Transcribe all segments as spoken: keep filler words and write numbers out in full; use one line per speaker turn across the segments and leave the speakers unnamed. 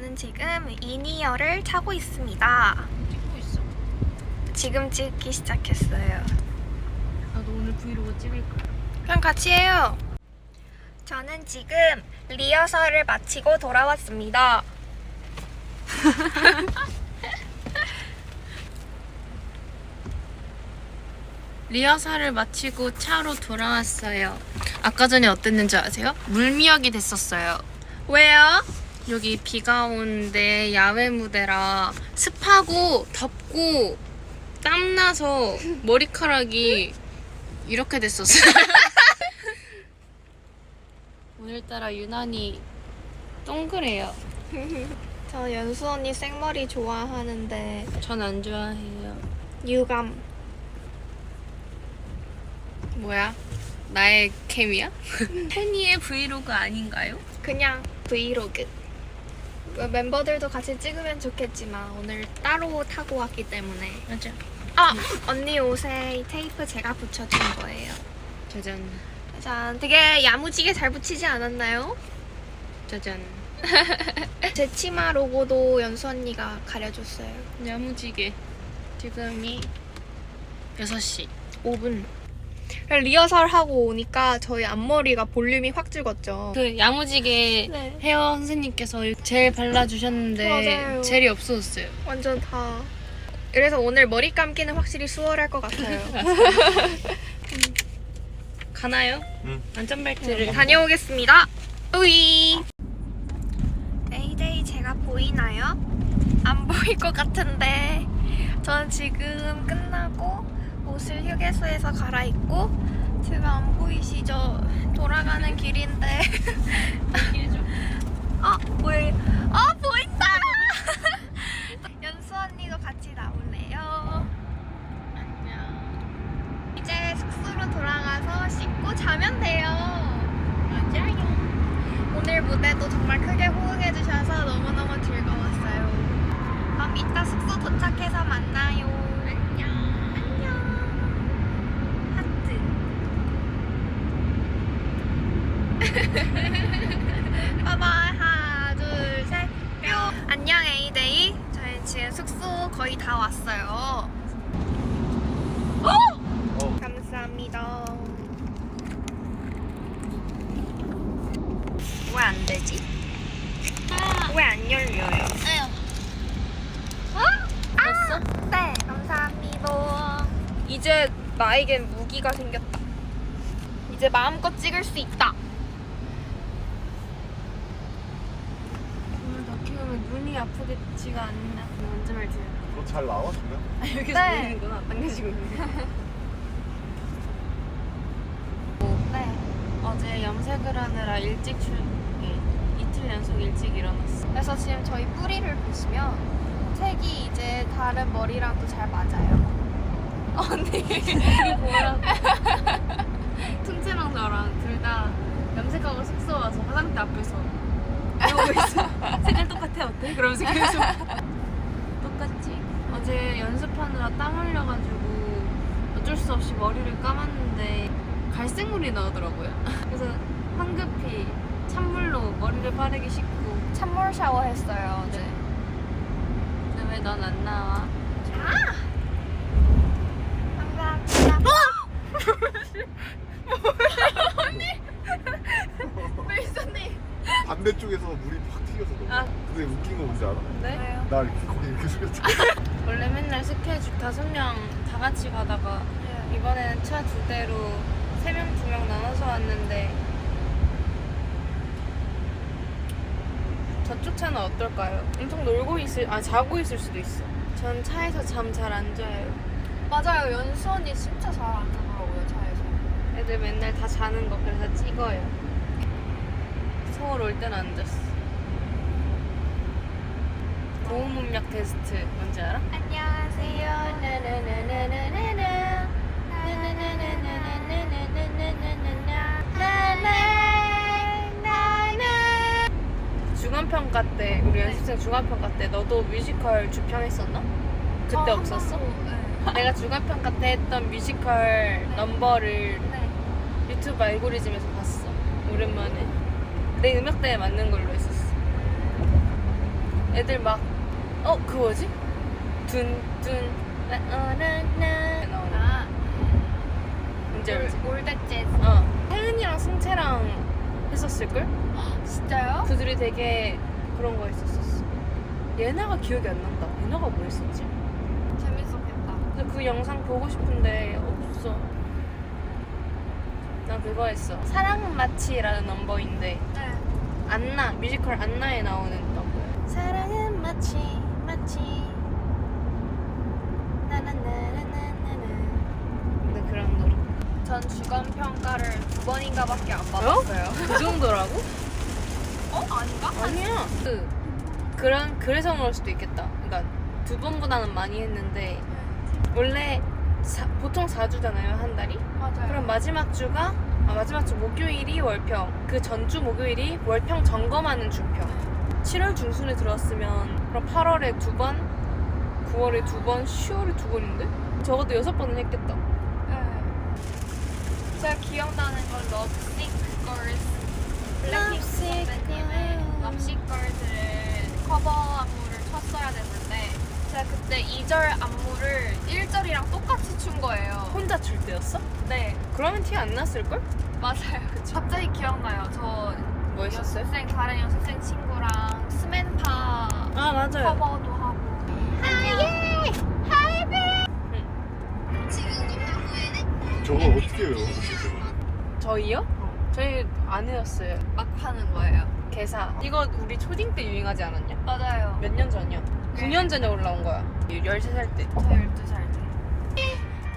저는 지금 이니어를 타고 있습니다.
찍고 있어.
지금 찍기 시작했어요.
나도 오늘 브이로그 찍을 거야.
그럼 같이 해요. 저는 지금 리허설을 마치고 돌아왔습니다.
리허설을 마치고 차로 돌아왔어요. 아까 전에 어땠는지 아세요? 물미역이 됐었어요.
왜요?
여기 비가 오는데 야외 무대라 습하고 덥고 땀나서 머리카락이 이렇게 됐었어요. 오늘따라 유난히 동그래요.
저 연수 언니 생머리 좋아하는데
전 안 좋아해요.
유감.
뭐야? 나의 캠이야? 팬이의 브이로그 아닌가요?
그냥 브이로그. 멤버들도 같이 찍으면 좋겠지만 오늘 따로 타고 왔기 때문에.
맞아.
아! 언니 옷에 이 테이프 제가 붙여준 거예요.
짜잔.
짠. 되게 야무지게 잘 붙이지 않았나요?
짜잔.
제 치마 로고도 연수 언니가 가려줬어요.
야무지게. 지금이 여섯 시.
오 분. 리허설 하고 오니까 저희 앞머리가 볼륨이 확 죽었죠.
그 야무지게
네.
헤어 선생님께서 젤 발라주셨는데
맞아요.
젤이 없어졌어요.
완전 다. 그래서 오늘 머리 감기는 확실히 수월할 것 같아요.
가나요?
응.
안전벨트를
다녀오겠습니다. 으이. 에이데이 제가 보이나요? 안 보일 것 같은데 저는 지금 끝나고 옷을 휴게소에서 갈아입고 지금 안 보이시죠? 돌아가는 길인데 아 보이 아 보인다. 연수 언니도 같이 나올래요. 안녕. 이제 숙소로 돌아가서 씻고 자면 돼요.
맞아요.
오늘 무대도 정말 크게 호응해주셔서 너무너무 즐거웠어요. 그럼 이따 숙소 도착해서 만나요. 안녕. 안녕. 하트. 바이바이. 하나, 둘, 셋. 뿅. 안녕 에이데이. 저희 지금 숙소 거의 다 왔어요.
어.
감사합니다. 왜 안 되지? 왜 안 열려요? 어?
됐어?
네, 감사합니다. 이제 나에겐 무기가 생겼다. 이제 마음껏 찍을 수 있다.
오늘 더 키우면 눈이 아프겠지가 않나. 안전벨트.
너 잘 나와 지금?
아, 여기서
네.
보이는구나. 당겨지고 있네.
네.
어제 염색을 하느라 일찍 출 예, 이틀 연속 일찍 일어났어.
그래서 지금 저희 뿌리를 보시면 색이 이제 다른 머리랑도 잘 맞아요. 언니.
우리 보라고. 퉁치랑 저랑 둘 다 염색하고 숙소 와서 화장대 앞에서 이러고 있어. 색깔 똑같아 어때? 그러면서 계속 똑같지? 어제 연습하느라 땀 흘려가지고 어쩔 수 없이 머리를 감았는데 갈색물이 나오더라고요. 그래서 황급히 찬물로 머리를 빠르게 씻고.
찬물 샤워했어요 어제.
근데 왜 넌 안 나와?
아! 감사합니다. 언니! 왜 있었니?
반대쪽에서 물이 팍 튀겨서 너무.
아.
근데 웃긴 거 뭔지 알아?
네?
왜요?
나 이렇게 거기 이렇게 숙였잖아.
원래 맨날 스케줄 다섯 명 다 같이 가다가 이번에는 차 두 대로 세 명, 두 명 나눠서 왔는데 저쪽 차는 어떨까요? 엄청 놀고 있을, 아 자고 있을 수도 있어. 전 차에서 잠 잘 안 자요.
맞아요. 연수 언니 진짜 잘 안 자더라고요 차에서.
애들 맨날 다 자는 거 그래서 찍어요. 서울 올 때는 안 잤어. 고음 음력 테스트 뭔지 알아?
안녕하세요. 나나나나나나나. 나나나나나나나나나나.
중간평가 때 우리 연습생 중간평가 때 너도 뮤지컬 주평했었나? 그때
어,
없었어?
한 번도, 네.
내가 중간평가 때 했던 뮤지컬 넘버를
네.
유튜브 알고리즘에서 봤어. 오랜만에 내 음역대에 맞는 걸로 했었어. 애들 막 어 그 뭐지? 둔둔 라어라나 나오나? 이제 알지?
올드 재즈.
어 혜은이랑 승채랑 했었을걸?
진짜요?
그들이 되게 그런 거 했었었어. 예나가 기억이 안 난다. 예나가 뭐 했었지?
재밌었겠다.
근데 그 영상 보고 싶은데 없어. 난 그거 했어. 사랑은 마치라는 넘버인데
네.
안나 뮤지컬 안나에 나오는 넘버야. 사랑은 마치 마치 나나나나나나. 근데 그런 노래.
전 주간 평가를 두 번인가밖에 안 받았어요.
그 정도라고?
어? 아닌가?
아니야. 그 그런 그래서 그럴 수도 있겠다. 그러니까 두 번보다는 많이 했는데 원래 사, 보통 사 주잖아요 한 달이.
맞아요.
그럼 마지막 주가 아, 마지막 주 목요일이 월평, 그 전주 목요일이 월평 점검하는 주평. 칠월 중순에 들어왔으면 그럼 팔월에 두 번, 구월에 두 번, 시월에 두 번인데? 적어도 여섯 번은 했겠다.
네. 제가 기억나는 건 럽시크 걸스 블랙핑크 선배님의 럽시크 걸스를 커버 안무를 췄어야 됐는데 제가 그때 이 절 안무를 일 절이랑 똑같이 춘 거예요.
혼자 출 때였어?
네,
그러면 티 안 났을걸?
맞아요. 갑자기 기억나요. 저
뭐 했었어요?
연습생 다른 연습생 친구랑 스맨파
아 맞아요.
커버도 하고. 하예 하이베.
저거 어떻게 해요?
저희요? 저희 안 해였어요.
막 하는 거예요.
개사. 이거 우리 초딩 때 유행하지 않았냐?
맞아요.
몇 년 전이야? 구 년 전에 올라온 거야. 열세 살 때.
저 열두 살 때.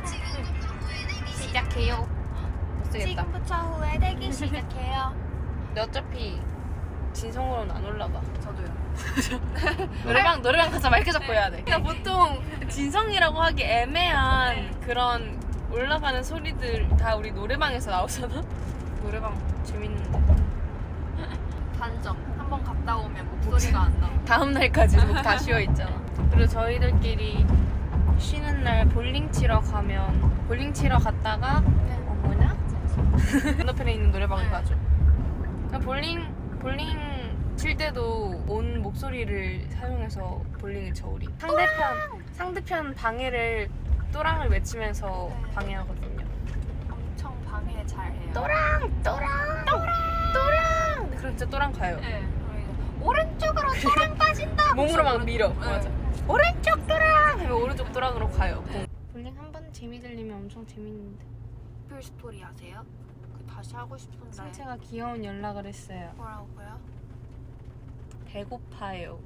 시작해요.
못 쓰겠다.
지금부터 후회되기 시작해요.
근데 어차피 진성으로는 안 올라가.
저도요.
노래방 노래방 가서 마이크 잡고
네.
해야 돼. 그러니까 보통 진성이라고 하기 애매한
네.
그런 올라가는 소리들 다 우리 노래방에서 나오잖아. 노래방 재밌는데.
단점. 한번 갔다 오면 목소리가 안 나.
다음 날까지 목 다 쉬어 있잖아. 그리고 저희들끼리 쉬는 날 볼링 치러 가면 볼링 치러 갔다가 어 뭐냐? 건너편에 있는 노래방을
네.
가죠. 그냥 볼링 볼링 칠 때도 온 목소리를 사용해서 볼링을 쳐 우리. 상대편 상대편 방해를 또랑을 외치면서
네.
방해하거든요.
엄청 방해 잘해요.
또랑 또랑 또랑 또랑. 그럼 진짜 또랑 가요.
네. 저희는 오른쪽으로 또랑 빠진다.
몸으로 막 밀어.
네.
맞아. 오른쪽 또랑 하면 오른쪽 또랑으로 가요. 볼링 한 번 재미 들리면 엄청 재밌는데.
별 스토리 아세요? 그 다시 하고 싶은데.
승채가 귀여운 연락을 했어요.
뭐라고요?
배고파요.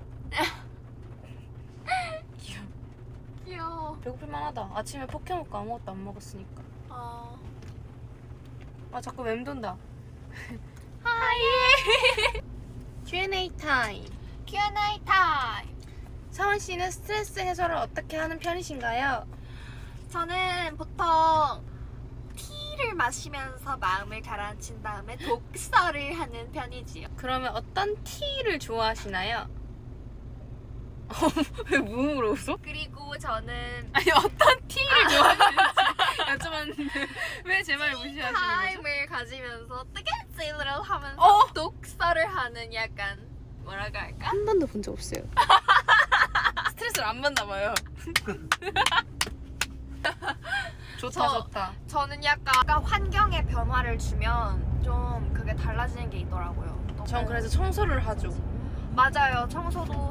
귀여워.
귀여워.
배고플 만하다. 아침에 포켓 먹고 아무것도 안 먹었으니까.
아.
아 자꾸 맴돈다. 하이. 큐 앤 에이 타임.
큐 앤 에이 타임.
서원 씨는 스트레스 해소를 어떻게 하는 편이신가요?
저는 보통 티를 마시면서 마음을 가라앉힌 다음에 독서를 하는 편이지요.
그러면 어떤 티를 좋아하시나요? 왜 무음으로 웃어?
그리고 저는
아니 어떤 티를 좋아하시는지 여쭤봤는데 왜 제 말을 무시하시는 거죠?
타임을 가지면서 뜨개질을 하면서
어?
독서를 하는 약간 뭐라고 할까?
한 번도 본 적 없어요. 스트레스를 안 받나 봐요. 좋다
저-
좋다.
저는 약간, 약간 환경에 변화를 주면 좀 그게 달라지는 게 있더라고요. 너무-
전 그래서 청소를 하죠.
맞아요. 청소도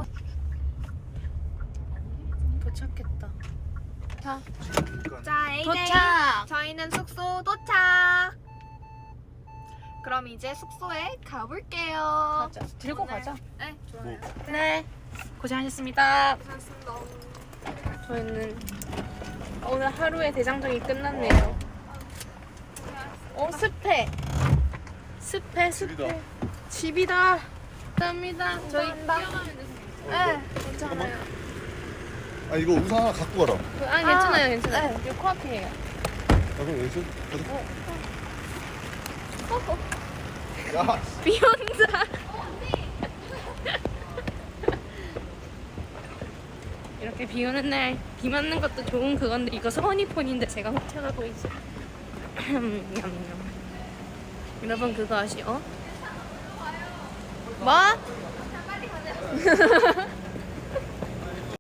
도착했다. 자
자, 에이데이.
도착.
저희는 숙소 도착. 그럼 이제 숙소에 가볼게요.
가자. 들고
오늘-
가자.
네, 좋아요.
네. 고생하셨습니다.
고맙습니다.
저희는 오늘 하루의 대장정이 끝났네요. 어 습해. 습해 습해. 집이다. 감사합니다. 저희
감사합니다.
뛰어가면 되세요.
네, 괜찮아요.
아 이거 우산 하나 갖고 가라.
아 괜찮아요 괜찮아요. 이거 코앞이에요.
아 그럼 여기서 가자. 야.
비 온다. 이렇게 비 오는 날 비 맞는 것도 좋은 그건데 이거 서원이 폰인데 제가 훔쳐가고 있어. 냠냠. 여러분 그거 아시? 어? 뭐?